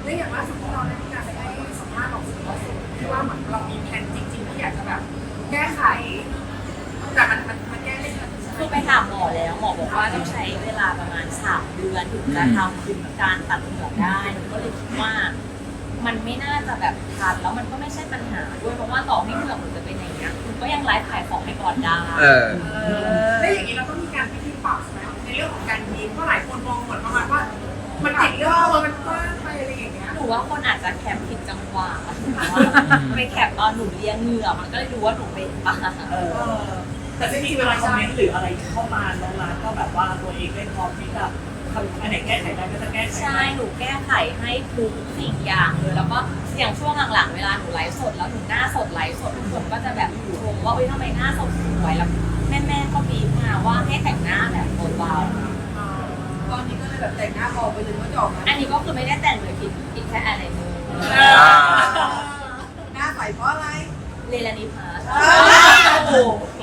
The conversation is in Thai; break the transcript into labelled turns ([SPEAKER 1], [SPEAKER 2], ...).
[SPEAKER 1] และอย่างล่าสุดที่เราได้มีการไปให้สัมภาษณ์ของสื่อว่าสุดที่ว่าเหมือนเรามีแผนจริงๆที่อยากจะแบบแก้ไขแต่มันแก้ไม่ทัน
[SPEAKER 2] คือไปถามหมอแล้วหมอบอกว่าต้องใช้เวลาประมาณ3 เดือนถึงจะทำการตัดเหงือกได้หนูก็เลยคิดว่ามันไม่น่าจะแบบทันแล้วมันก็ไม่ใช่ปัญหาด้วยเพราะว่าต่อให้เหงือกหนูจะเป็นอย่างเงี้ยคุณก็ยังไลฟ์ขายของให้ก่อนได้
[SPEAKER 1] แล้วอย่างนี้เราต้องมีการวิธีปรับไหมในเรื่องของการยิ้มเพราะหลายคนมองเหมือนประมาณว่ามันติดเรื่องมันกว้างไปอะไรอย่างเงี้ย
[SPEAKER 2] หนูว่าคนอาจจะแคปผิดจังหวะไปแคปตอนหนูเลี้ยงเหงือกมันก็เลยดูว่าหนูเป็นบ้า
[SPEAKER 3] แต่ไม่มีเวลาคอมเมนต์หรืออะไรเข้ามาน้องร้านก็แบบว่าตัวเองได้พร้อมที่จะทำอันไหนแก้ไขได้ก็จะแก้ไข
[SPEAKER 2] ใช่หนูแก้ไขให้ทุกสิ่งอย่างเลยแล้วก็อย่างช่วงหลังๆเวลาหนูไลฟ์สดแล้วหนูหน้าสดไลฟ์สดทุกคนก็จะแบบชมว่าเอ้ยทำไมหน้าสดสวยแล้วแม่ๆก็บีบมาว่าให้แต่งหน้าแบบเบาๆ
[SPEAKER 1] ตอนนี้ก็เลยแบบแต่งหน้าเบาไปเลยว่าจะออกมา
[SPEAKER 2] อันนี้ก็คือไม่ได้แต่งเลยคิดแค่อะไรเนอ
[SPEAKER 1] หน้าใสเพราะอะไร
[SPEAKER 2] เลลานิพา
[SPEAKER 1] โอ้โห